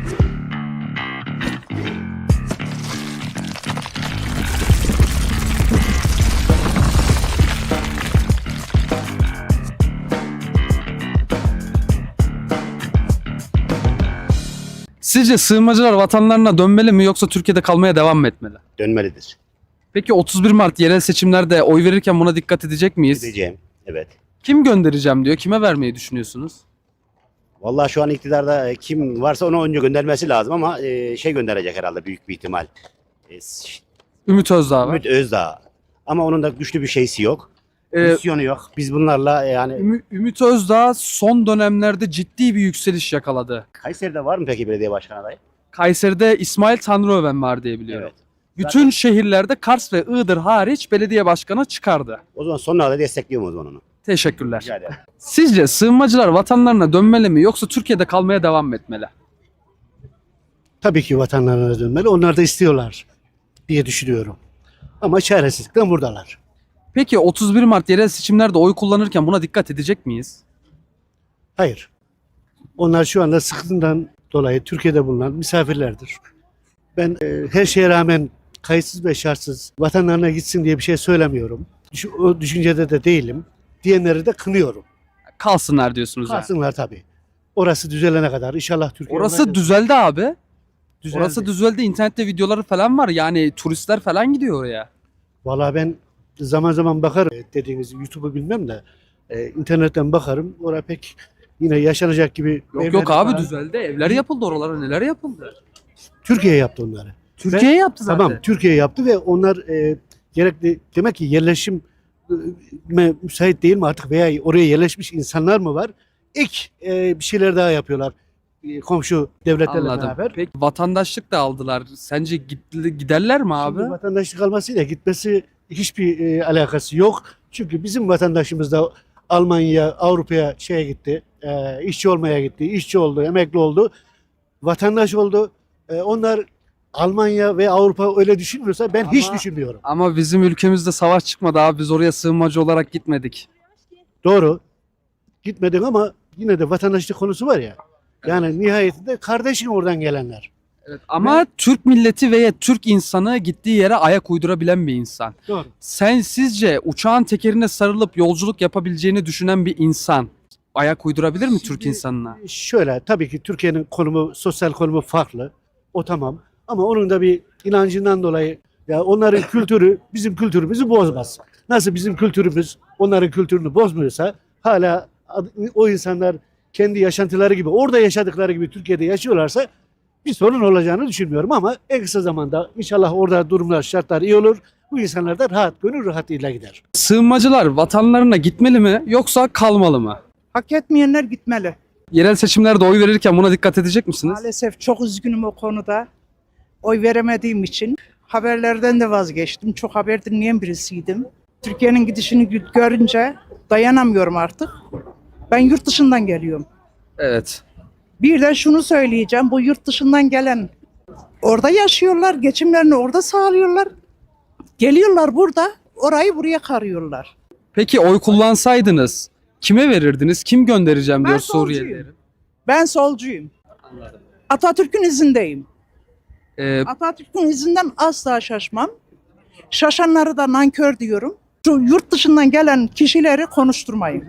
Sizce sığınmacılar vatanlarına dönmeli mi yoksa Türkiye'de kalmaya devam mı etmeli? Dönmelidir. Peki 31 Mart yerel seçimlerde oy verirken buna dikkat edecek miyiz? Diyeceğim. Evet. Kim göndereceğim diyor. Kime vermeyi düşünüyorsunuz? Vallahi şu an iktidarda kim varsa onu önce göndermesi lazım ama şey gönderecek herhalde büyük bir ihtimal. Ümit Özdağ var. Ümit Özdağ. Ama onun da güçlü bir şeysi yok. Ee, Misyonu yok. Biz bunlarla yani Ümit Özdağ son dönemlerde ciddi bir yükseliş yakaladı. Kayseri'de var mı peki belediye başkanı adayı? Kayseri'de İsmail Tanrıöven var diye biliyorum. Evet. Bütün şehirlerde Kars ve Iğdır hariç belediye başkanı çıkardı. O zaman sonuna kadar destekliyorum o zaman onu. Teşekkürler. Rica ederim. Sizce sığınmacılar vatanlarına dönmeli mi yoksa Türkiye'de kalmaya devam mı etmeli? Tabii ki vatanlarına dönmeli. Onlar da istiyorlar diye düşünüyorum. Ama çaresizlikten buradalar. Peki 31 Mart yerel seçimlerde oy kullanırken buna dikkat edecek miyiz? Hayır. Onlar şu anda sıkıntıdan dolayı Türkiye'de bulunan misafirlerdir. Ben her şeye rağmen kayıtsız ve şartsız vatanlarına gitsin diye bir şey söylemiyorum. O düşüncede de değilim. Diyenleri de kınıyorum. Kalsınlar diyorsunuz yani. Kalsınlar tabii. Orası düzelene kadar inşallah Türkiye... Orası düzeldi abi. düzeldi. Orası düzeldi. İnternette videoları falan var. Yani turistler falan gidiyor oraya. Vallahi ben zaman zaman bakarım. Dediğiniz YouTube'u bilmem de internetten bakarım. Orada pek yine yaşanacak gibi... Yok abi düzeldi. Evler yapıldı oralara. Neler yapıldı? Türkiye yaptı onları. Türkiye yaptı zaten. Tamam, Türkiye yaptı ve onlar gerekli, demek ki yerleşim müsait değil mi artık veya oraya yerleşmiş insanlar mı var? İlk bir şeyler daha yapıyorlar komşu devletlerle Anladım. beraber. Peki vatandaşlık da aldılar. Sence giderler mi abi? Şimdi vatandaşlık almasıyla gitmesi hiçbir alakası yok. Çünkü bizim vatandaşımız da Almanya, Avrupa'ya şeye gitti, işçi olmaya gitti, işçi oldu, emekli oldu, vatandaş oldu. Onlar Almanya ve Avrupa öyle düşünmüyorsa ben hiç düşünmüyorum. Ama bizim ülkemizde savaş çıkmadı abi. Biz oraya sığınmacı olarak gitmedik. Doğru. Gitmedik ama yine de vatandaşlık konusu var ya. Yani nihayetinde kardeşin oradan gelenler. Evet, ama Türk milleti veya Türk insanı gittiği yere ayak uydurabilen bir insan. Doğru. Sen sizce uçağın tekerine sarılıp yolculuk yapabileceğini düşünen bir insan ayak uydurabilir mi Türk insanına? Şöyle tabii ki Türkiye'nin konumu, sosyal konumu farklı. O tamam. Ama onun da bir inancından dolayı ya onların kültürü bizim kültürümüzü bozmaz. Nasıl bizim kültürümüz onların kültürünü bozmuyorsa hala o insanlar kendi yaşantıları gibi orada yaşadıkları gibi Türkiye'de yaşıyorlarsa bir sorun olacağını düşünmüyorum ama en kısa zamanda inşallah orada durumlar, şartlar iyi olur. Bu insanlar da rahat, gönül rahatıyla gider. Sığınmacılar vatanlarına gitmeli mi yoksa kalmalı mı? Hak etmeyenler gitmeli. Yerel seçimlerde oy verirken buna dikkat edecek misiniz? Maalesef çok üzgünüm o konuda. Oy veremediğim için haberlerden de vazgeçtim. Çok haber dinleyen birisiydim. Türkiye'nin gidişini görünce dayanamıyorum artık. Ben yurt dışından geliyorum. Evet. Bir de şunu söyleyeceğim. Bu yurt dışından gelen orada yaşıyorlar. Geçimlerini orada sağlıyorlar. Geliyorlar burada. Orayı buraya karıyorlar. Peki oy kullansaydınız kime verirdiniz? Kim göndereceğim Ben diyor solcuyum. Suriyelileri. Ben solcuyum. Atatürk'ün izindeyim. Ee, Atatürk'ün izinden asla şaşmam. Şaşanları da nankör diyorum. Şu yurt dışından gelen kişileri konuşturmayın.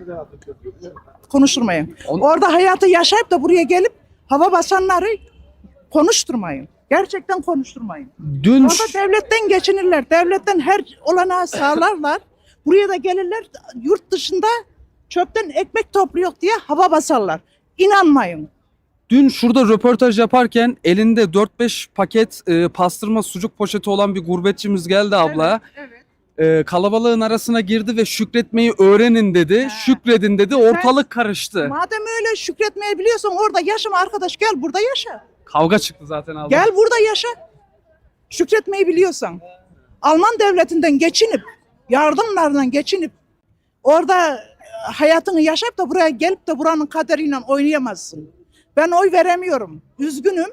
Konuşturmayın. Orada hayatı yaşayıp da buraya gelip hava basanları konuşturmayın. Gerçekten konuşturmayın. dün Orada devletten geçinirler. Devletten her olanağı sağlarlar. Buraya da gelirler yurt dışında çöpten ekmek topluyor diye hava basarlar. İnanmayın. Dün şurada röportaj yaparken elinde 4-5 paket pastırma sucuk poşeti olan bir gurbetçimiz geldi abla. Evet. Kalabalığın arasına girdi ve şükretmeyi öğrenin dedi. Şükredin dedi. Ortalık karıştı. Madem öyle şükretmeyi biliyorsan orada yaşama arkadaş, gel burada yaşa. Kavga çıktı zaten abla. Gel burada yaşa. Şükretmeyi biliyorsan. Alman devletinden geçinip, yardımlardan geçinip orada hayatını yaşayıp da buraya gelip de buranın kaderiyle oynayamazsın. Ben oy veremiyorum. Üzgünüm.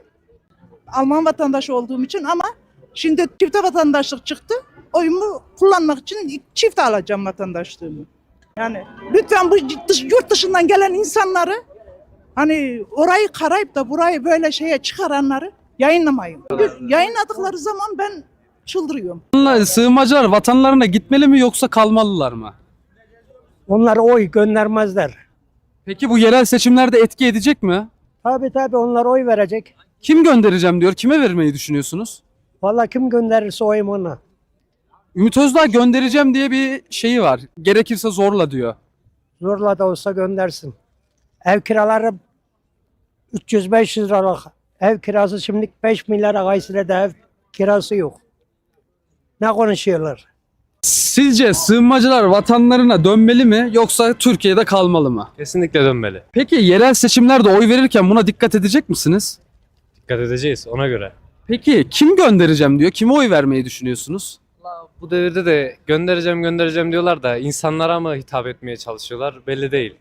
Alman vatandaşı olduğum için ama şimdi çifte vatandaşlık çıktı. Oyumu kullanmak için çifte alacağım vatandaşlığımı. Yani lütfen bu yurt dışından gelen insanları Hani orayı karayıp da burayı böyle şeye çıkaranları yayınlamayın. Yayınladıkları zaman ben çıldırıyorum. Sığınmacılar vatanlarına gitmeli mi yoksa kalmalılar mı? Onlar oy göndermezler. Peki bu yerel seçimlerde etki edecek mi? Tabii onlar oy verecek. Kim göndereceğim diyor. Kime vermeyi düşünüyorsunuz? Vallahi kim gönderirse oyum ona. Ümit Özdağ göndereceğim diye bir şeyi var. Gerekirse zorla diyor. Zorla da olsa göndersin. Ev kiraları 300-500 liralık ev kirası şimdi 5 milyara Kayseri'de ev kirası yok. Ne konuşuyorlar? Sizce sığınmacılar vatanlarına dönmeli mi yoksa Türkiye'de kalmalı mı? Kesinlikle dönmeli. Peki yerel seçimlerde oy verirken buna dikkat edecek misiniz? Dikkat edeceğiz ona göre. Peki kim göndereceğim diyor. Kime oy vermeyi düşünüyorsunuz? Bu devirde de göndereceğim diyorlar da insanlara mı hitap etmeye çalışıyorlar belli değil.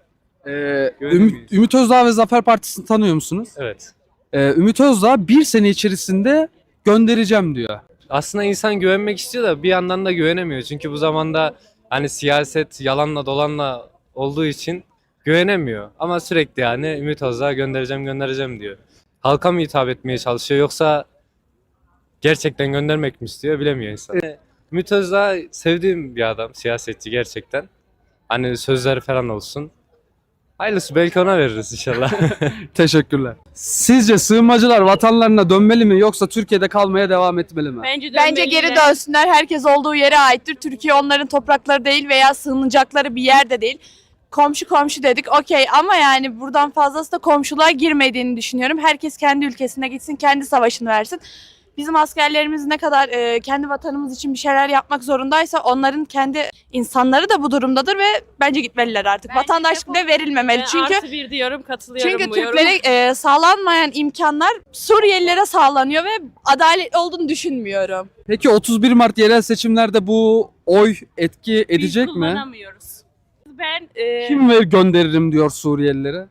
Ümit Özdağ ve Zafer Partisi'ni tanıyor musunuz? Evet. Ümit Özdağ bir sene içerisinde göndereceğim diyor. Aslında insan güvenmek istiyor da bir yandan da güvenemiyor. Çünkü bu zamanda hani siyaset yalanla dolanla olduğu için güvenemiyor. Ama sürekli yani Ümit Özdağ göndereceğim diyor. Halka mı hitap etmeye çalışıyor yoksa gerçekten göndermek mi istiyor bilemiyor insan. Ümit Özdağ sevdiğim bir adam, siyasetçi gerçekten. Hani sözleri falan olsun. Hayırlısı belki ona veririz inşallah. Teşekkürler. Sizce sığınmacılar vatanlarına dönmeli mi yoksa Türkiye'de kalmaya devam etmeli mi? Bence geri dönsünler. Herkes olduğu yere aittir. Türkiye onların toprakları değil veya sığınacakları bir yerde değil. Komşu dedik okey ama yani buradan fazlası da komşuluğa girmediğini düşünüyorum. Herkes kendi ülkesine gitsin, kendi savaşını versin. Bizim askerlerimiz ne kadar kendi vatanımız için bir şeyler yapmak zorundaysa onların kendi insanları da bu durumdadır ve bence gitmeliler artık. Vatandaşlık bile verilmemeli çünkü Artı bir diyorum, katılıyorum çünkü bu yoruma. Türklere sağlanmayan imkanlar Suriyelilere sağlanıyor ve adaletli olduğunu düşünmüyorum. Peki 31 Mart yerel seçimlerde bu oy etki edecek Biz mi? kullanamıyoruz. Ben Kim gönderirim diyor Suriyelilere?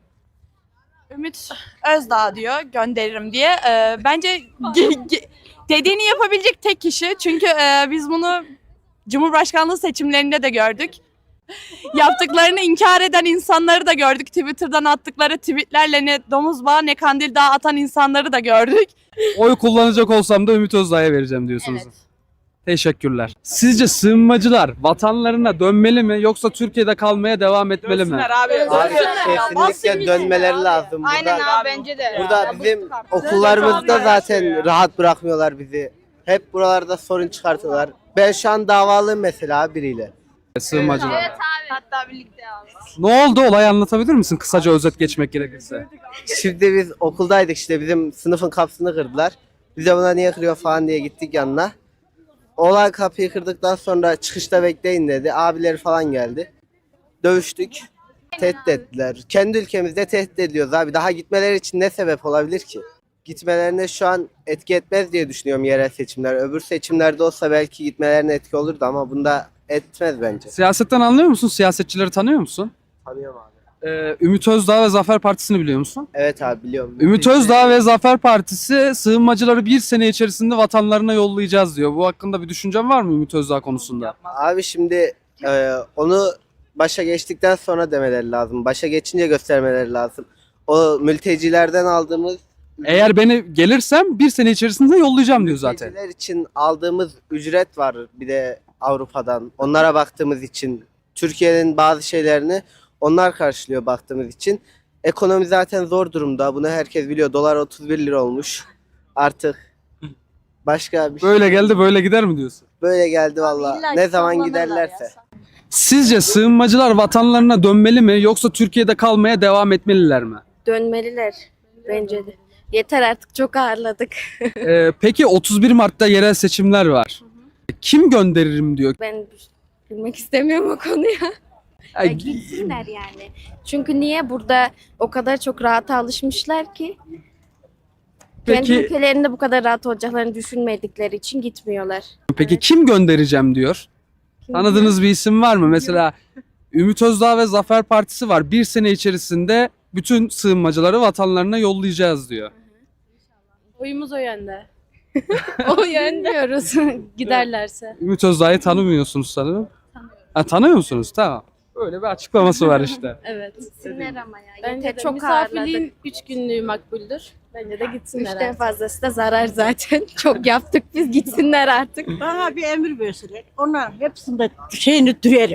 Ümit Özdağ diyor gönderirim diye. Bence dediğini yapabilecek tek kişi. Çünkü biz bunu Cumhurbaşkanlığı seçimlerinde de gördük. Yaptıklarını inkar eden insanları da gördük. Twitter'dan attıkları tweetlerle ne domuz bağı ne kandil dağı atan insanları da gördük. Oy kullanacak olsam da Ümit Özdağ'a vereceğim diyorsunuz. Evet. Teşekkürler. Sizce sığınmacılar vatanlarına dönmeli mi yoksa Türkiye'de kalmaya devam etmeli mi? Abi kesinlikle dönmeleri lazım. Aynen Burada, abi bence de. burada bizim okullarımızda zaten rahat bırakmıyorlar bizi. Hep buralarda sorun çıkartıyorlar. Ben şu an davalıyım mesela biriyle. Sığınmacılar. Evet abi. Hatta birlikte abi. Ne oldu? Olayı anlatabilir misin? Kısaca özet geçmek gerekirse. Şimdi biz okuldaydık işte bizim sınıfın kapısını kırdılar. Biz de buna niye kırıyor falan diye gittik yanına. Olay kapıyı kırdıktan sonra çıkışta bekleyin dedi. Abileri falan geldi. Dövüştük. Tehdit ettiler. Kendi ülkemizde tehdit ediyoruz abi. Daha gitmeleri için ne sebep olabilir ki? Gitmelerine şu an etki etmez diye düşünüyorum yerel seçimler. Öbür seçimlerde olsa belki gitmelerine etki olurdu ama bunda etmez bence. Siyasetten anlıyor musun? Siyasetçileri tanıyor musun? Tanıyorum abi. Ümit Özdağ ve Zafer Partisi'ni biliyor musun? Evet abi biliyorum. Ümit Özdağ ve Zafer Partisi sığınmacıları bir sene içerisinde vatanlarına yollayacağız diyor. Bu hakkında bir düşüncen var mı Ümit Özdağ konusunda? Abi şimdi onu başa geçtikten sonra demeleri lazım. Başa geçince göstermeleri lazım. O mültecilerden aldığımız Eğer beni gelirsem bir sene içerisinde yollayacağım diyor zaten. mülteciler için aldığımız ücret var bir de Avrupa'dan. Onlara baktığımız için Türkiye'nin bazı şeylerini onlar karşılıyor baktığımız için. Ekonomi zaten zor durumda. Bunu herkes biliyor. Dolar 31 lira olmuş. Artık başka bir şey. Böyle geldi böyle gider mi diyorsun? Böyle geldi valla. Ne zaman giderlerse. Sizce sığınmacılar vatanlarına dönmeli mi yoksa Türkiye'de kalmaya devam etmeliler mi? Dönmeliler bence de. Yeter artık çok ağırladık. Peki 31 Mart'ta yerel seçimler var. Kim gönderirim diyor. Ben bilmek istemiyorum o konuya. Ya Ay, gitsinler yani. Çünkü niye burada o kadar çok rahata alışmışlar ki? Kendi Peki, ülkelerinde bu kadar rahat olacaklarını düşünmedikleri için gitmiyorlar. peki kim göndereceğim diyor. Tanıdığınız bir isim var mı? Mesela Ümit Özdağ ve Zafer Partisi var. Bir sene içerisinde bütün sığınmacıları vatanlarına yollayacağız diyor. oyumuz o yönde. O yönde. Bilmiyoruz giderlerse. Ümit Özdağ'ı tanımıyorsunuz sanırım. Ha, tanıyor musunuz? Tamam. Böyle bir açıklaması var işte. Evet. Gitsinler ama ya. Bence Yeter, de çok ağırladık. misafirliğin 3 günlüğü makbuldür. Bence de gitsinler. Üçten artık. fazlası da zarar zaten. Çok yaptık biz, gitsinler artık. Bana bir emir verseler, onların hepsinde şeyini duyarım.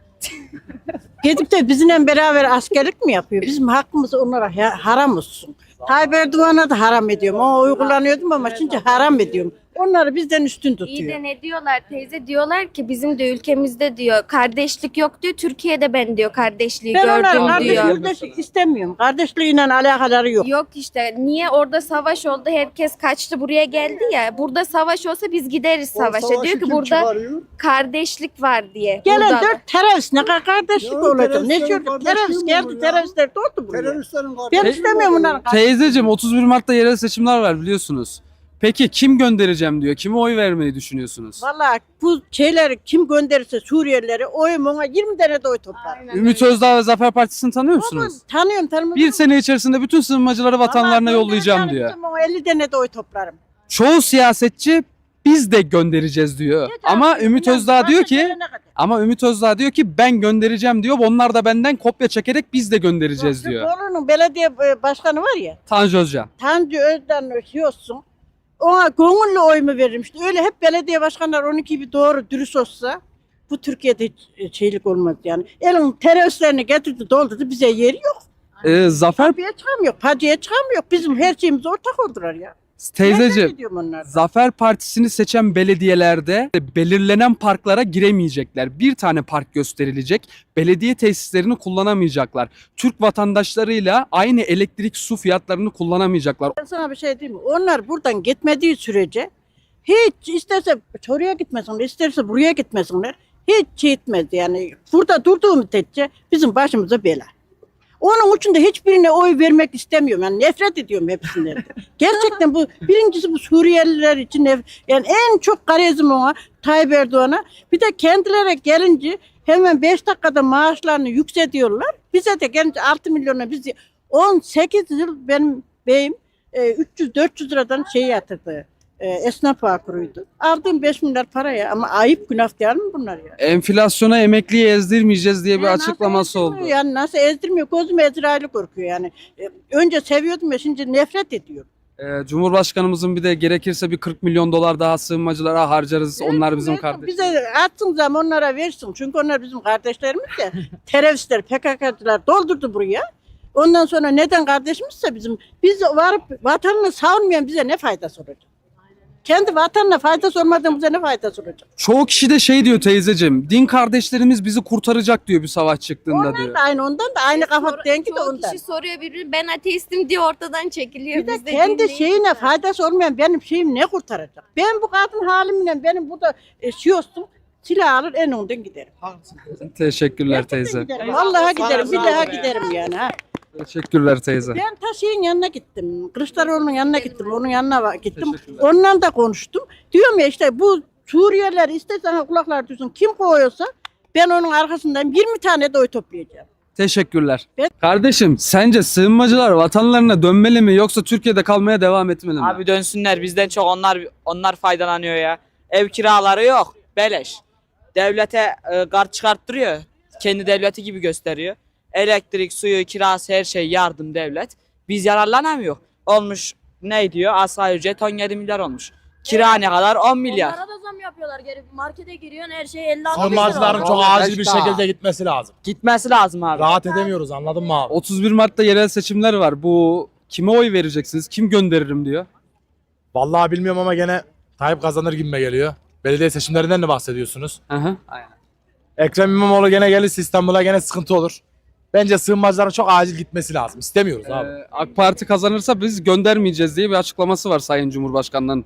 Gidip de bizimle beraber askerlik mi yapıyor? Bizim hakkımız onlara haram olsun. Tayyip Erdoğan'a da haram ediyorum. O uygulanıyordum ama şimdi haram ediyorum. Onları bizden üstün İyi tutuyor. de ne diyorlar teyze? Diyorlar ki bizim de ülkemizde diyor kardeşlik yok diyor. Türkiye'de ben diyor kardeşliği Ben onların gördüm diyor. kardeşlik istemiyorum. Kardeşliğiyle alakaları yok. Yok işte niye orada savaş oldu, herkes kaçtı buraya geldi ya. Burada savaş olsa biz gideriz savaşa. Diyor ki burada kardeşlik var diye. Gelen Burada da. 4 terörist ne kadar kardeşlik olacak? Ne diyor? Terörist geldi, teröristler doldu buraya. Ben istemiyorum onların Teyzeciğim 31 Mart'ta yerel seçimler var biliyorsunuz. Peki kim göndereceğim diyor. Kime oy vermeyi düşünüyorsunuz? Vallahi bu şeyleri kim gönderirse Suriyelileri oyum ona 20 tane de oy toplar. Ümit Özdağ ve Zafer Partisi'ni tanıyor musunuz? Tanıyorum tanımıyorum. Bir sene içerisinde bütün sığınmacıları vatanlarına Vallahi yollayacağım göndereceğim diyor. bizim o 50 tane de oy toplarım. Çoğu siyasetçi biz de göndereceğiz diyor. Ama Ümit Özdağ diyor ki Ümit Özdağ diyor ki ben göndereceğim diyor. Onlar da benden kopya çekerek biz de göndereceğiz Şu diyor. Bolu'nun belediye başkanı var ya, Tanju Özcan. Tanju Özden olsun. Ona gönüllü oy mu veririm işte. Öyle hep belediye başkanları 12 gibi doğru dürüst olsa bu Türkiye'de hiç şeylik olmaz yani. Elin teröristlerini getirdi doldurdu bize yeri yok. Zafer Kapıya çıkamıyor, pacıya çıkamıyor. Bizim her şeyimiz ortak oldular ya. Nereden teyzeciğim gidiyorum onlar? Zafer Partisi'ni seçen belediyelerde belirlenen parklara giremeyecekler. Bir tane park gösterilecek. Belediye tesislerini kullanamayacaklar. Türk vatandaşlarıyla aynı elektrik su fiyatlarını kullanamayacaklar. Ben sana bir şey diyeyim mi? Onlar buradan gitmediği sürece hiç isterse oraya gitmesinler, isterse buraya gitmesinler. Hiç şey etmez yani. Burada durduğu müddetçe bizim başımıza bela. Onun için de hiçbirine oy vermek istemiyorum. Yani nefret ediyorum hepsinden. Gerçekten bu birincisi bu Suriyeliler için yani en çok garezim ona Tayyip Erdoğan'a. Bir de kendilerine gelince hemen 5 dakikada maaşlarını yükseltiyorlar. Bize de gelince 6 milyona bizi 18 yıl benim beyim 300-400 liradan şey yatırdı. Esnaf bağ kuruydu. Aldığım 5 milyar paraya ama ayıp günah değil mi bunlar ya? Enflasyona emekliyi ezdirmeyeceğiz diye bir Ya açıklaması nasıl oldu. ezdirmiyor Yani nasıl ezdirmiyor? Gözüm Ezrail'i korkuyor yani. Önce seviyordum ya şimdi nefret ediyorum. Cumhurbaşkanımızın bir de gerekirse bir 40 milyon dolar daha sığınmacılara harcarız. Onlar bizim kardeşimiz. Bize atsın zaman onlara versin. Çünkü onlar bizim kardeşlerimiz de. Teröristler, PKK'cılar doldurdu buraya. Ondan sonra neden kardeşimizse biz varıp vatanını savunmayan bize ne faydası olacak? Kendi vatanına faydası olmadan bize ne faydası olacak? Çoğu kişi de şey diyor teyzeciğim. Din kardeşlerimiz bizi kurtaracak diyor bir savaş çıktığında Onlar diyor. da aynı ondan da aynı kafa dengi de Çoğu ondan. kişi soruyor birbirine ben ateistim diye ortadan çekiliyor. Bir de Biz de kendi dinleyiz şeyine ya. faydası olmayan benim şeyim ne kurtaracak? Ben bu kadın halimle benim burada şey olsun silah alır en önden giderim. Teşekkürler Gerçekten teyze. giderim. Vallahi giderim. Bir daha giderim yani. Ha. Teşekkürler teyze. Ben ta şeyin yanına gittim. Kılıçdaroğlu'nun yanına gittim. Onun yanına gittim. Teşekkürler. Onunla da konuştum. Diyorum ya işte bu Suriyeliler istersen kulaklar duysun. Kim koyuyorsa ben onun arkasından 20 tane de oy toplayacağım. Teşekkürler. Ben- Kardeşim sence sığınmacılar vatanlarına dönmeli mi yoksa Türkiye'de kalmaya devam etmeli mi? Abi dönsünler bizden çok onlar faydalanıyor ya. Ev kiraları yok. Beleş. Devlete kart çıkarttırıyor. Kendi devleti gibi gösteriyor. Elektrik, suyu, kirası her şey yardım devlet. Biz yararlanamıyor. Olmuş ne diyor? Asgari ücret 17 milyar olmuş. Kira ne kadar? 10 milyar. Onlara da zam yapıyorlar. Geri markete giriyorsun her şey 50-60 Sığınmacıların çok acil bir şekilde gitmesi lazım. Gitmesi lazım abi. Rahat edemiyoruz anladın mı abi? 31 Mart'ta yerel seçimler var. Bu kime oy vereceksiniz? Kim gönderirim diyor. Vallahi bilmiyorum ama gene Tayyip kazanır gibime geliyor. Belediye seçimlerinden de bahsediyorsunuz. Aha. Ekrem İmamoğlu gene gelirse İstanbul'a gene sıkıntı olur. Bence sığınmacıların çok acil gitmesi lazım. İstemiyoruz abi. AK Parti kazanırsa biz göndermeyeceğiz diye bir açıklaması var Sayın Cumhurbaşkanı'nın.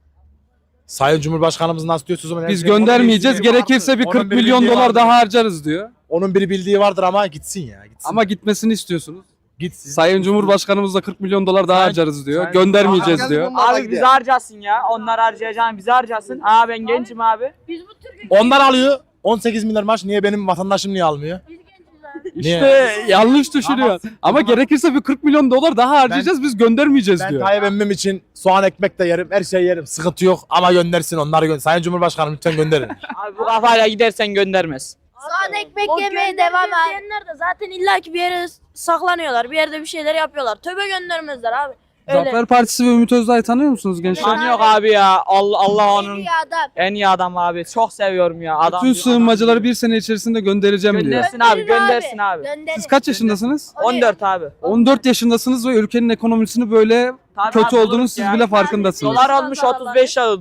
Sayın Cumhurbaşkanımız nasıl diyorsunuz? Onun Biz her şey- göndermeyeceğiz. onun bildiği Gerekirse bir vardır. 40 Onun milyon bildiği dolar vardır. daha harcarız diyor. Onun bir bildiği vardır ama gitsin ya. Gitsin. Ama gitmesini istiyorsunuz. gitsin. Sayın Cumhurbaşkanımız da 40 milyon dolar daha Sayın- harcarız diyor. Sayın- Göndermeyeceğiz diyor. Abi bizi harcasın ya. Onlar harcayacağını bizi harcasın. Aa ben gencim abi. Biz bu Türkiye Onlar alıyor. 18 milyar maaş. Niye benim vatandaşım niye almıyor? İşte yanlış düşünüyor. Ama gerekirse bir 40 milyon dolar daha harcayacağız biz göndermeyeceğiz Ben diyor. Tayyip emmim için soğan ekmek de yerim. Her şeyi yerim. Sıkıntı yok ama göndersin onları gönder. Sayın Cumhurbaşkanım lütfen gönderin. Abi bu kafayla gidersen göndermez. Sade ekmek O yemeye devam abi. diyenler de zaten illaki bir yere saklanıyorlar. Bir yerde bir şeyler yapıyorlar. Tövbe göndermezler abi. Öyle. Zafer Partisi ve Ümit Özdağ'ı tanıyor musunuz gençler? Tanıyor abi ya. Allah onun Bir adam. en iyi adam abi. Çok seviyorum ya. Adam. Bütün sığınmacıları bir sene içerisinde göndereceğim diyor. Göndersin abi, göndersin abi. Gönderin. Siz kaç yaşındasınız? 14 abi. 14 yaşındasınız ve ülkenin ekonomisini böyle Tabii kötü abi, olduğunu siz ya. bile farkındasınız. Dolar olmuş 35 lira.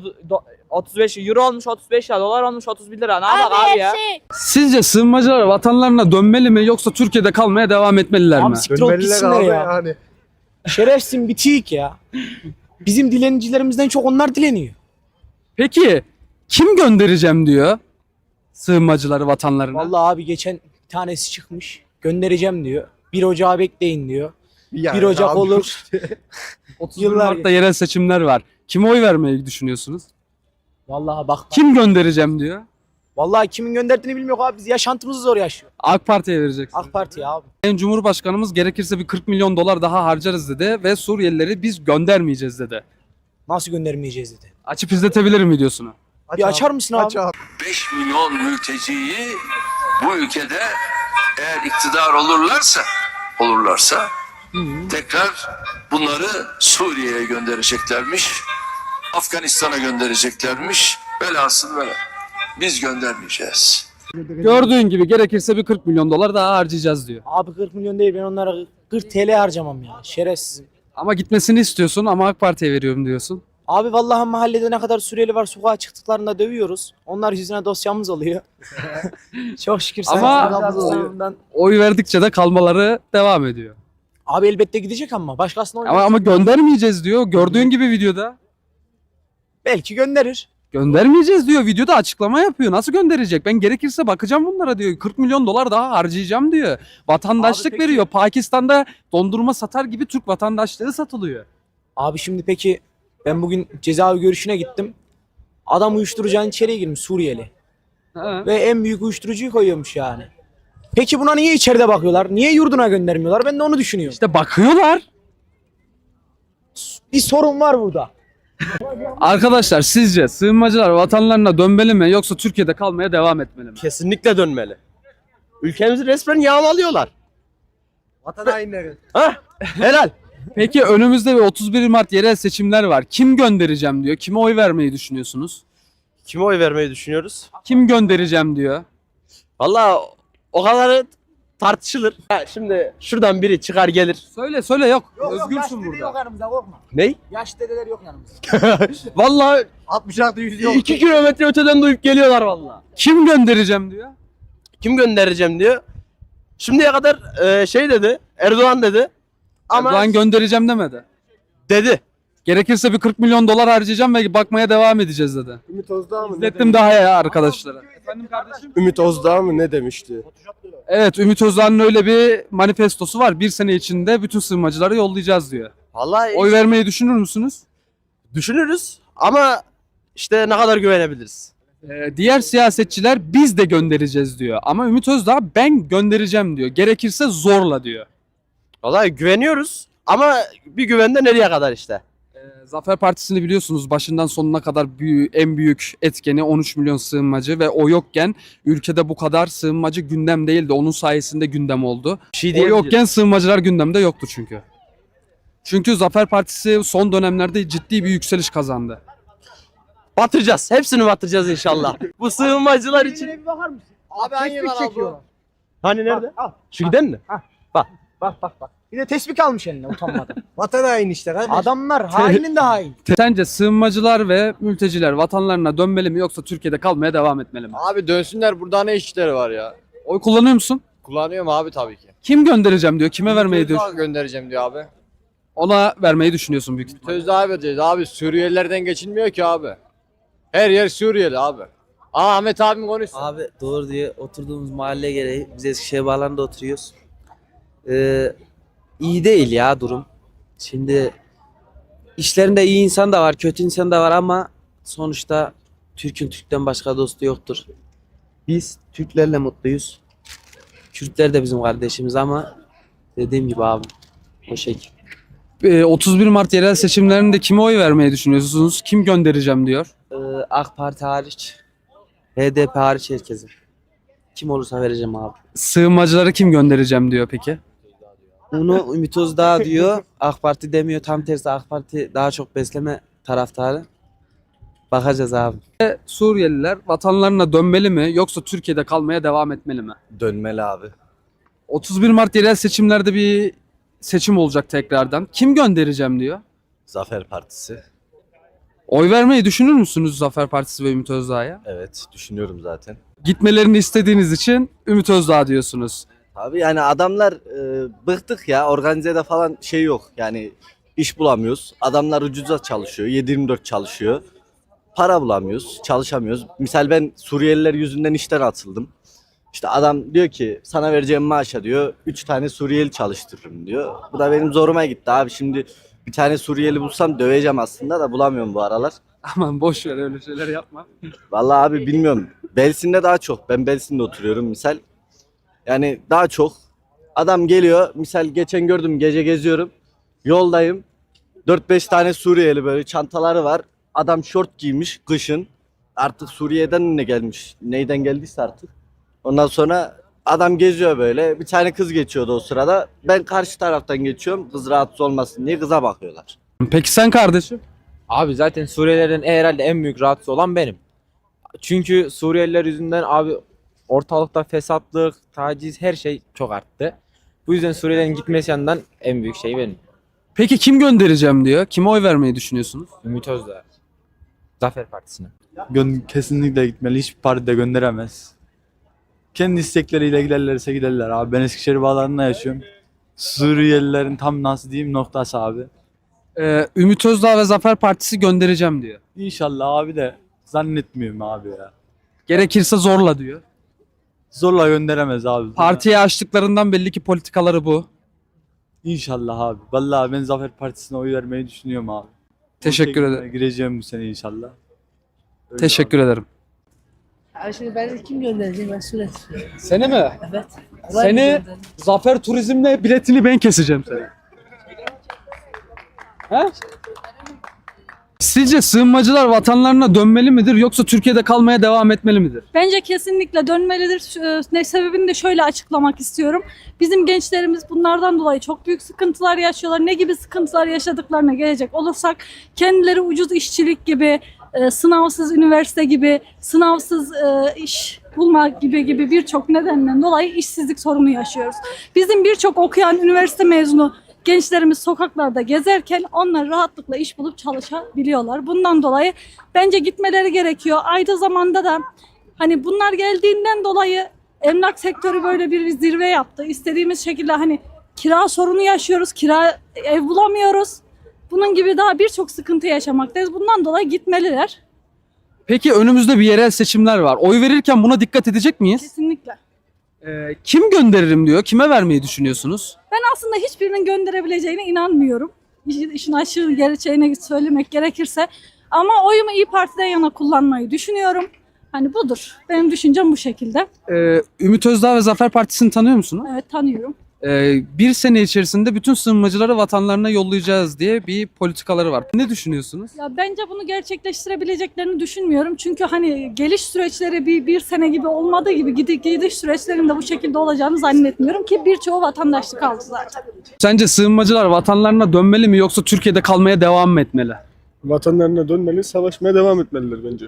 35 euro olmuş 35 lira. Dolar olmuş 31 lira. Ne yapak Abi abi ya? her şey Sizce sığınmacılar vatanlarına dönmeli mi yoksa Türkiye'de kalmaya devam etmeliler mi? Abi siktir olup gitsinler ya. Şerefsin bitik ya. Bizim dilenicilerimizden çok onlar dileniyor. Peki kim göndereceğim diyor sığınmacıları vatanlarına? Vallahi abi geçen bir tanesi çıkmış. Göndereceğim diyor. 1 Ocağı bekleyin diyor. 1 Ocak olur. 31 yıllar Mart'ta yerel seçimler var. Kime oy vermeyi düşünüyorsunuz? Vallahi bak. Kim göndereceğim diyor? Vallahi kimin gönderdiğini bilmiyor abi. Biz yaşantımızı zor yaşıyor. AK Parti'ye vereceksiniz. AK Parti abi. Sayın Cumhurbaşkanımız gerekirse bir 40 milyon dolar daha harcarız dedi ve Suriyelileri biz göndermeyeceğiz dedi. Nasıl göndermeyeceğiz dedi. Açıp izletebilirim videosunu. Bir açar mısın abi? 5 milyon mülteciyi bu ülkede eğer iktidar olurlarsa tekrar bunları Suriye'ye göndereceklermiş. Afganistan'a göndereceklermiş. Velhasıl böyle. Biz göndermeyeceğiz. Gördüğün gibi gerekirse bir 40 milyon dolar daha harcayacağız diyor. Abi 40 milyon değil ben onlara 40 TL harcamam ya. Şerefsizim. Ama gitmesini istiyorsun ama AK Parti'ye veriyorum diyorsun. Abi vallahi mahallede ne kadar Suriyeli var sokağa çıktıklarında dövüyoruz. Onlar yüzüne dosyamız oluyor. Çok şükür. Ama sayın- oy verdikçe de kalmaları devam ediyor. Abi elbette gidecek ama başkasına oynayacak. Ama göndermeyeceğiz diyor. Gördüğün gibi videoda. Belki gönderir. Göndermeyeceğiz diyor. Videoda açıklama yapıyor. Nasıl gönderecek? Ben gerekirse bakacağım bunlara diyor. 40 milyon dolar daha harcayacağım diyor. Vatandaşlık Abi peki- veriyor. Pakistan'da dondurma satar gibi Türk vatandaşlığı satılıyor. Abi şimdi peki ben bugün cezaevi görüşüne gittim. Adam uyuşturucunun içeriye girmiş Suriyeli. Ha. Ve en büyük uyuşturucuyu koyuyormuş yani. Peki buna niye içeride bakıyorlar? Niye yurduna göndermiyorlar? Ben de onu düşünüyorum. İşte bakıyorlar. Bir sorun var burada. Arkadaşlar sizce sığınmacılar vatanlarına dönmeli mi yoksa Türkiye'de kalmaya devam etmeli mi? Kesinlikle dönmeli. Ülkemizi resmen yağmalıyorlar. Vatan hainleri. Helal. Peki önümüzde bir 31 Mart yerel seçimler var. Kim göndereceğim diyor. Kime oy vermeyi düşünüyorsunuz? Kime oy vermeyi düşünüyoruz? Kim göndereceğim diyor. Vallahi o kadarı tartışılır. Şimdi şuradan biri çıkar gelir. Söyle yok. Özgürsün burada. yanımızda korkma. Ney? Yaş dedeler yok yanımızda. Vallahi 66 yok. 2 kilometre öteden duyup geliyorlar vallahi. Kim göndereceğim diyor. Kim göndereceğim diyor. Şimdiye kadar şey dedi. Erdoğan dedi. Ama Erdoğan göndereceğim demedi. dedi. Gerekirse bir 40 milyon dolar harcayacağım ve bakmaya devam edeceğiz dedi. Ümit Özdağ mı? İzlettim daha ya arkadaşlara. Efendim kardeşim? Ümit Özdağ mı ne demişti? Evet, Ümit Özdağ'ın öyle bir manifestosu var. Bir sene içinde bütün sığınmacıları yollayacağız diyor. Vallahi Oy vermeyi düşünür müsünüz? düşünürüz ama işte ne kadar güvenebiliriz. Diğer siyasetçiler biz de göndereceğiz diyor. Ama Ümit Özdağ ben göndereceğim diyor. Gerekirse zorla diyor. Vallahi güveniyoruz ama bir güvende nereye kadar işte. Zafer Partisi'ni biliyorsunuz başından sonuna kadar en büyük etkeni 13 milyon sığınmacı ve o yokken ülkede bu kadar sığınmacı gündem değildi. Onun sayesinde gündem oldu. Bir şey O diyebiliriz. yokken sığınmacılar gündemde yoktu çünkü. Çünkü Zafer Partisi son dönemlerde ciddi bir yükseliş kazandı. Batıracağız. Hepsini batıracağız inşallah. Bu sığınmacılar için. Bir bakar mısın? Abi Tespih çekiyorlar. Hani nerede? Al. Şu giden mi? Bak. Bir de tespih almış eline utanmadan. Vatan haini işte kardeş. Adamlar hainin de hain. Sence sığınmacılar ve mülteciler vatanlarına dönmeli mi yoksa Türkiye'de kalmaya devam etmeli mi? Abi dönsünler, burada ne işleri var ya? Oy kullanıyor musun? Kullanıyorum abi tabii ki. Kim göndereceğim diyor, kime vermeyi diyor. Özdağ göndereceğim diyor abi. Ona vermeyi düşünüyorsun büyük ihtimalle. Özdağ vereceğiz abi. Suriyelilerden geçilmiyor ki abi. Her yer Suriyeli abi. Aa, Ahmet abim konuşsun. Abi doğru diye oturduğumuz mahalle gereği biz Eskişehir Bağları'nda oturuyoruz. İyi değil ya durum. Şimdi işlerinde iyi insan da var, kötü insan da var ama sonuçta Türk'ün Türk'ten başka dostu yoktur. Biz Türklerle mutluyuz. Kürtler de bizim kardeşimiz ama dediğim gibi abi o şekil. 31 Mart yerel seçimlerinde kime oy vermeyi düşünüyorsunuz? Kim göndereceğim diyor. AK Parti hariç, HDP hariç herkese. Kim olursa vereceğim abi. Sığınmacıları kim göndereceğim diyor peki? Bunu Ümit Özdağ diyor. AK Parti demiyor. Tam tersi AK Parti daha çok besleme taraftarı. Bakacağız abi. Suriyeliler vatanlarına dönmeli mi yoksa Türkiye'de kalmaya devam etmeli mi? Dönmeli abi. 31 Mart yerel seçimlerde bir seçim olacak tekrardan. Kim göndereceğim diyor. Zafer Partisi. Oy vermeyi düşünür müsünüz Zafer Partisi ve Ümit Özdağ'a? Evet, düşünüyorum zaten. Gitmelerini istediğiniz için Ümit Özdağ diyorsunuz. Abi yani adamlar bıktık ya. Organizede falan şey yok. Yani iş bulamıyoruz. Adamlar ucuza çalışıyor. 7/24 çalışıyor. Para bulamıyoruz. Çalışamıyoruz. Misal ben Suriyeliler yüzünden işten atıldım. İşte adam diyor ki sana vereceğim maaşa diyor 3 tane Suriyeli çalıştırırım diyor. Bu da benim zoruma gitti abi. Şimdi bir tane Suriyeli bulsam döveceğim aslında da bulamıyorum bu aralar. Aman boş ver öyle şeyler yapma. Vallahi abi bilmiyorum. Belsin'de daha çok. Ben Belsin'de oturuyorum misal. Yani daha çok. Adam geliyor. Misal geçen gördüm gece geziyorum. Yoldayım. 4-5 tane Suriyeli böyle çantaları var. Adam şort giymiş kışın. Artık Suriye'den ne gelmiş? Neyden geldiyse artık. Ondan sonra adam geziyor böyle. Bir tane kız geçiyordu o sırada. Ben karşı taraftan geçiyorum. Kız rahatsız olmasın diye kıza bakıyorlar. Peki sen kardeşim? Abi zaten Suriyelilerin herhalde en büyük rahatsız olan benim. Çünkü Suriyeliler yüzünden abi ortalıkta fesatlık, taciz her şey çok arttı. Bu yüzden Suriyelilerin gitmesi yanından en büyük şey benim. Peki kim göndereceğim diyor. Kime oy vermeyi düşünüyorsunuz? Ümit Özdağ. Zafer Partisi'ne. Kesinlikle gitmeli. Hiçbir parti de gönderemez. Kendi istekleriyle giderlerse giderler abi. Ben Eskişehir Bağları'nda yaşıyorum. Suriyelilerin tam nasıl diyeyim noktası abi. Ümit Özdağ ve Zafer Partisi göndereceğim diyor. İnşallah abi de zannetmiyorum abi ya. Gerekirse zorla diyor. Zorla gönderemez abi. Partiye açtıklarından belli ki politikaları bu. İnşallah abi. Vallahi ben Zafer Partisi'ne oy vermeyi düşünüyorum abi. Teşekkür 18'ine ederim. Gireceğim bu sene inşallah. Öyle Teşekkür ederim. Şimdi ben kim göndereceğim mesul et. Seni mi? Evet. Seni Zafer Turizm'le biletini ben keseceğim seni. He? Sizce sığınmacılar vatanlarına dönmeli midir yoksa Türkiye'de kalmaya devam etmeli midir? Bence kesinlikle dönmelidir. Ne sebebini de şöyle açıklamak istiyorum. Bizim gençlerimiz bunlardan dolayı çok büyük sıkıntılar yaşıyorlar. Ne gibi sıkıntılar yaşadıklarına gelecek olursak kendileri ucuz işçilik gibi, sınavsız üniversite gibi, sınavsız iş bulmak gibi birçok nedenden dolayı işsizlik sorunu yaşıyoruz. Bizim birçok okuyan üniversite mezunu gençlerimiz sokaklarda gezerken onlar rahatlıkla iş bulup çalışabiliyorlar. Bundan dolayı bence gitmeleri gerekiyor. Aynı zamanda da hani bunlar geldiğinden dolayı emlak sektörü böyle bir zirve yaptı. İstediğimiz şekilde hani kira sorunu yaşıyoruz, ev bulamıyoruz. Bunun gibi daha birçok sıkıntı yaşamaktayız. Bundan dolayı gitmeliler. Peki önümüzde bir yerel seçimler var. Oy verirken buna dikkat edecek miyiz? Kesinlikle. Kim gönderirim diyor. Kime vermeyi düşünüyorsunuz? Ben aslında hiçbirinin gönderebileceğine inanmıyorum. İşin aşırı gerçeğini söylemek gerekirse. Ama oyumu İYİ Parti'den yana kullanmayı düşünüyorum. Hani budur. Benim düşüncem bu şekilde. Ümit Özdağ ve Zafer Partisi'ni tanıyor musunuz? Evet, tanıyorum. Bir sene içerisinde bütün sığınmacıları vatanlarına yollayacağız diye bir politikaları var. Ne düşünüyorsunuz? Ya bence bunu gerçekleştirebileceklerini düşünmüyorum. Çünkü hani geliş süreçleri bir sene gibi olmadığı gibi gidiş süreçlerinde bu şekilde olacağını zannetmiyorum ki birçoğu vatandaşlık aldı zaten. Sence sığınmacılar vatanlarına dönmeli mi yoksa Türkiye'de kalmaya devam mı etmeli? Vatanlarına dönmeli, savaşmaya devam etmeliler bence.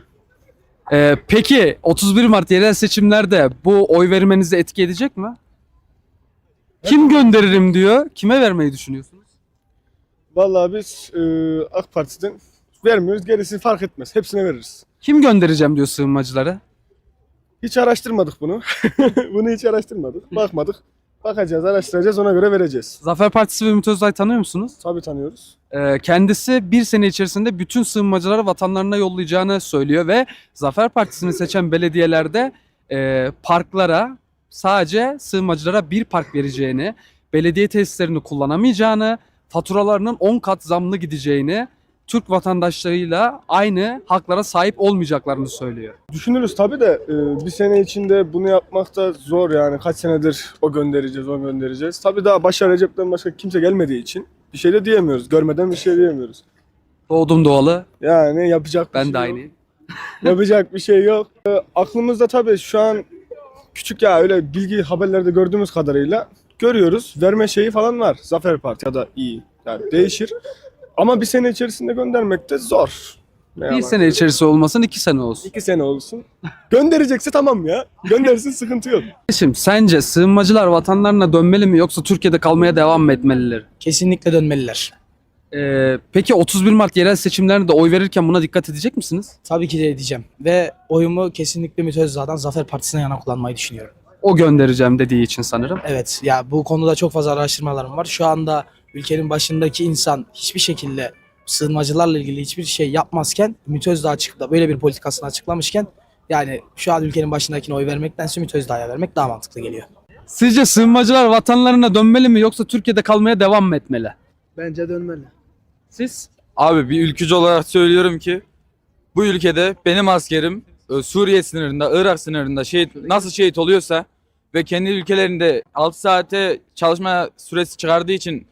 Peki 31 Mart yerel seçimlerde bu oy vermenizi etki edecek mi? Kim gönderirim diyor. Kime vermeyi düşünüyorsunuz? Vallahi biz AK Parti'den vermiyoruz, gerisi fark etmez. Hepsine veririz. Kim göndereceğim diyor sığınmacıları? Hiç araştırmadık bunu. Bunu hiç araştırmadık, bakmadık. Bakacağız, araştıracağız, ona göre vereceğiz. Zafer Partisi ve Ümit Özdağ'ı tanıyor musunuz? Tabii tanıyoruz. Kendisi bir sene içerisinde bütün sığınmacıları vatanlarına yollayacağını söylüyor ve Zafer Partisi'ni seçen belediyelerde parklara sadece sığınmacılara bir park vereceğini, belediye tesislerini kullanamayacağını, faturalarının 10 kat zamlı gideceğini, Türk vatandaşlarıyla aynı haklara sahip olmayacaklarını söylüyor. Düşünürüz tabii de bir sene içinde bunu yapmak da zor yani. Kaç senedir o göndereceğiz. Tabii daha başa Recep'ten başka kimse gelmediği için bir şey de diyemiyoruz. Görmeden bir şey diyemiyoruz. Doğdum doğalı. Yani yapacak bir Ben şey de yok. aynıyım. Yapacak bir şey yok. Aklımızda tabii şu an küçük ya öyle bilgi haberlerde gördüğümüz kadarıyla görüyoruz. Verme şeyi falan var. Zafer Parti ya da iyi. Yani değişir. Ama bir sene içerisinde göndermek de zor. Ne Bir yalan. sene içerisi olmasın 2 sene olsun. 2 sene olsun. Gönderecekse tamam ya. Göndersin sıkıntı yok. Şimdi sence sığınmacılar vatanlarına dönmeli mi yoksa Türkiye'de kalmaya devam mı etmeliler? Kesinlikle dönmeliler. Peki 31 Mart yerel seçimlerinde oy verirken buna dikkat edecek misiniz? Tabii ki de edeceğim. Ve oyumu kesinlikle Ümit Özdağ'dan Zafer Partisi'ne yana kullanmayı düşünüyorum. O göndereceğim dediği için sanırım. Evet ya bu konuda çok fazla araştırmalarım var. Şu anda ülkenin başındaki insan hiçbir şekilde sığınmacılarla ilgili hiçbir şey yapmazken Ümit Özdağ çıkıp da böyle bir politikasını açıklamışken yani şu an ülkenin başındakine oy vermektense Ümit Özdağ'a vermek daha mantıklı geliyor. Sizce sığınmacılar vatanlarına dönmeli mi yoksa Türkiye'de kalmaya devam mı etmeli? Bence dönmeli. Siz? Abi bir ülkücü olarak söylüyorum ki bu ülkede benim askerim Suriye sınırında, Irak sınırında nasıl şehit oluyorsa ve kendi ülkelerinde 6 saate çalışma süresi çıkardığı için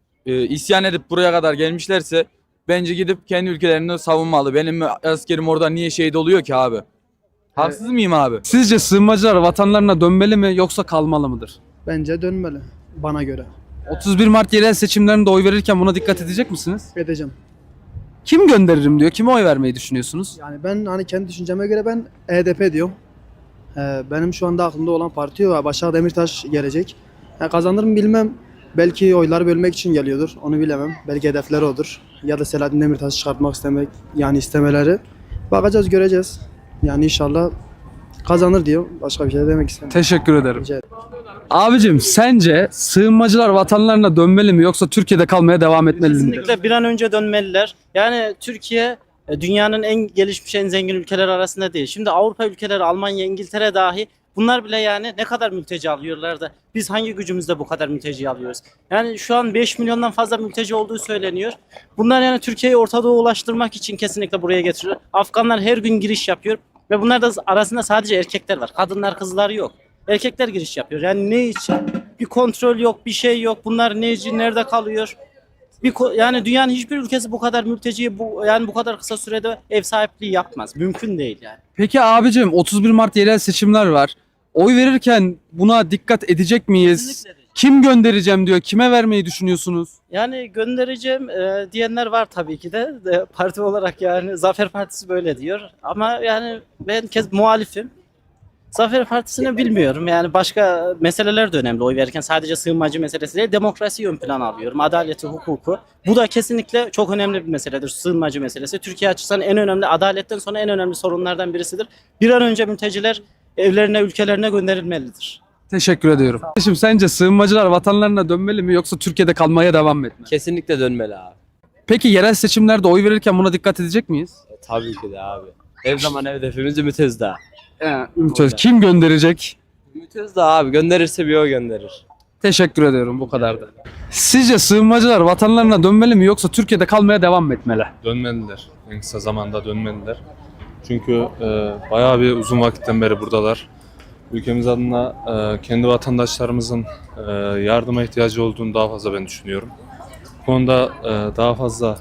isyan edip buraya kadar gelmişlerse bence gidip kendi ülkelerini savunmalı. Benim askerim orada niye şehit oluyor ki abi? Haksız mıyım abi? Sizce sığınmacılar vatanlarına dönmeli mi yoksa kalmalı mıdır? Bence dönmeli bana göre. 31 Mart yerel seçimlerinde oy verirken buna dikkat edecek misiniz? Edeceğim. Kim gönderirim diyor. Kime oy vermeyi düşünüyorsunuz? Yani ben hani kendi düşünceme göre ben HDP diyorum. Benim şu anda aklımda olan parti var. Başak Demirtaş gelecek. Kazanır mı bilmem. Belki oyları bölmek için geliyordur. Onu bilemem. Belki hedefleri odur. Ya da Selahattin Demirtaş'ı çıkartmak istemeleri. Bakacağız, göreceğiz. Yani inşallah kazanır diyor. Başka bir şey de demek istemiyorum. Teşekkür ederim. Rica ederim. Abicim sence sığınmacılar vatanlarına dönmeli mi yoksa Türkiye'de kalmaya devam etmeli mi? Kesinlikle bir an önce dönmeliler. Yani Türkiye dünyanın en gelişmiş, en zengin ülkeler arasında değil. Şimdi Avrupa ülkeleri, Almanya, İngiltere dahi bunlar bile yani ne kadar mülteci alıyorlar da biz hangi gücümüzle bu kadar mülteci alıyoruz? Yani şu an 5 milyondan fazla mülteci olduğu söyleniyor. Bunlar yani Türkiye'yi Orta Doğu'ya ulaştırmak için kesinlikle buraya getiriyor. Afganlar her gün giriş yapıyor ve bunlar da arasında sadece erkekler var. Kadınlar, kızlar yok. Erkekler giriş yapıyor. Yani ne için? Bir kontrol yok, bir şey yok. Bunlar neci, nerede kalıyor? Yani dünyanın hiçbir ülkesi bu kadar mülteciye bu kadar kısa sürede ev sahipliği yapmaz. Mümkün değil yani. Peki abicim 31 Mart yerel seçimler var. Oy verirken buna dikkat edecek miyiz? Kesinlikle. Kim göndereceğim diyor. Kime vermeyi düşünüyorsunuz? Yani göndereceğim diyenler var tabii ki de. Parti olarak yani Zafer Partisi böyle diyor. Ama yani ben muhalifim. Zafer Partisi'ni bilmiyorum. Yani başka meseleler de önemli oy verirken. Sadece sığınmacı meselesi değil. Demokrasiyi ön plana alıyorum. Adaleti, hukuku. Bu da kesinlikle çok önemli bir meseledir. Sığınmacı meselesi. Türkiye açısından en önemli, adaletten sonra en önemli sorunlardan birisidir. Bir an önce mülteciler evlerine, ülkelerine gönderilmelidir. Teşekkür ediyorum. Şimdi sence sığınmacılar vatanlarına dönmeli mi yoksa Türkiye'de kalmaya devam mı etmeli? Kesinlikle dönmeli abi. Peki yerel seçimlerde oy verirken buna dikkat edecek miyiz? Tabii ki de abi. Her zaman hedefimiz Ümit Özdağ. Kim gönderecek? Ümit Özdağ abi gönderirse bir o gönderir. Teşekkür ediyorum. Bu kadardı. Sizce sığınmacılar vatanlarına dönmeli mi yoksa Türkiye'de kalmaya devam mı etmeli? Dönmeliler. En kısa zamanda dönmeliler. Çünkü bayağı bir uzun vakitten beri buradalar. Ülkemiz adına kendi vatandaşlarımızın yardıma ihtiyacı olduğunu daha fazla ben düşünüyorum. Bu konuda daha fazla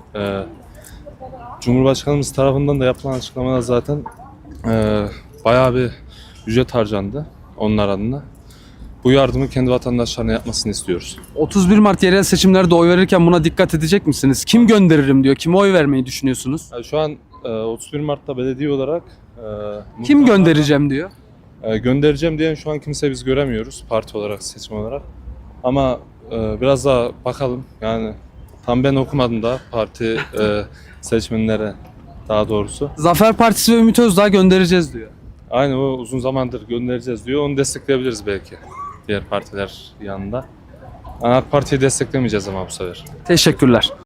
Cumhurbaşkanımız tarafından da yapılan açıklamada zaten bayağı bir ücret harcandı onlar adına. Bu yardımı kendi vatandaşlarına yapmasını istiyoruz. 31 Mart yerel seçimlerde oy verirken buna dikkat edecek misiniz? Kim gönderirim diyor. Kime oy vermeyi düşünüyorsunuz? Yani şu an 31 Mart'ta belediye olarak Kim göndereceğim diyor. göndereceğim diyen şu an kimse biz göremiyoruz parti olarak, seçim olarak. Ama biraz daha bakalım. Yani tam ben okumadım da parti seçmenlere daha doğrusu. Zafer Partisi ve Ümit Özdağ göndereceğiz diyor. Aynı o uzun zamandır göndereceğiz diyor. Onu destekleyebiliriz belki diğer partiler yanında. AK Parti'yi desteklemeyeceğiz ama bu sefer. Teşekkürler.